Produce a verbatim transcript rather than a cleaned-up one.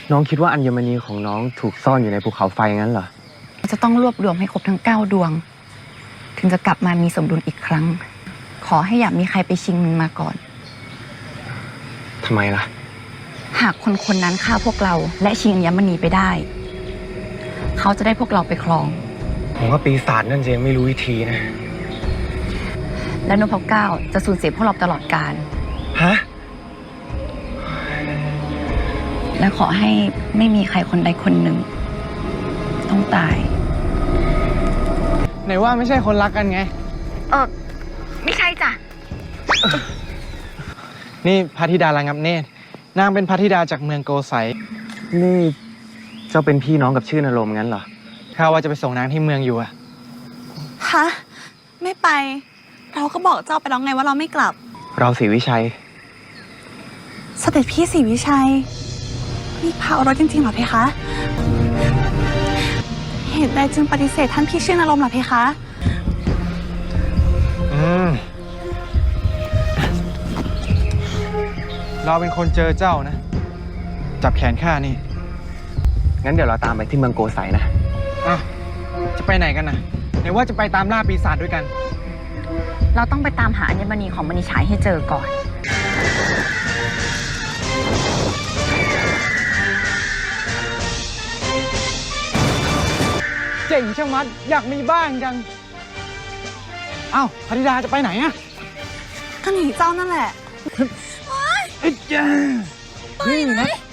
น้องคิดว่าอัญมณีของน้องถูกซ่อนอยู่ในภูเขาไฟงั้นเหรอจะต้องรวบรวมให้ครบทั้งเก้าดวงถึงจะกลับมามีสมดุลอีกครั้งขอให้อย่ามีใครไปชิงมันมาก่อนทำไมล่ะหากคนคนนั้นฆ่าพวกเราและชิงอัญมณีไปได้เขาจะได้พวกเราไปครองผมว่าปีศาจนั่นจะยังไม่รู้วิธีนะและนพเก้าจะสูญเสียพวกเราตลอดกาลฮะและขอให้ไม่มีใครคนใดคนหนึ่งต้องตายไหนว่าไม่ใช่คนรักกันไงเออไม่ใช่จ้ะนี่พระธิดาระงับเนตรนางเป็นพระธิดาจากเมืองโกไสนี่เจ้าเป็นพี่น้องกับชื่อนรมงั้นเหรอข้าว่าจะไปส่งนางที่เมืองอยู่อะฮะไม่ไปเราก็บอกเจ้าไปแล้วไงว่าเราไม่กลับเราศรีวิชัยเสด็จพี่ศรีวิชัยนี่พาเอารถจริงๆเหรอเพคะเหตุใดจึงปฏิเสธท่านพี่ชื่อนรมเหรอเพคะอืมเราเป็นคนเจอเจ้านะจับแขนข้านี่งั้นเดี๋ยวเราตามไปที่เมืองโกไสนะอ้าวจะไปไหนกันนะไหนว่าจะไปตามล่าปีศาจด้วยกันเราต้องไปตามหาอัญมณีของมณีฉายให้เจอก่อนเจ๋งช่างมัดอยากมีบ้างจังอ้าวพระธิดาจะไปไหนอะก็หนีเจ้านั่นแหละเอ้ยจ้านี่นะ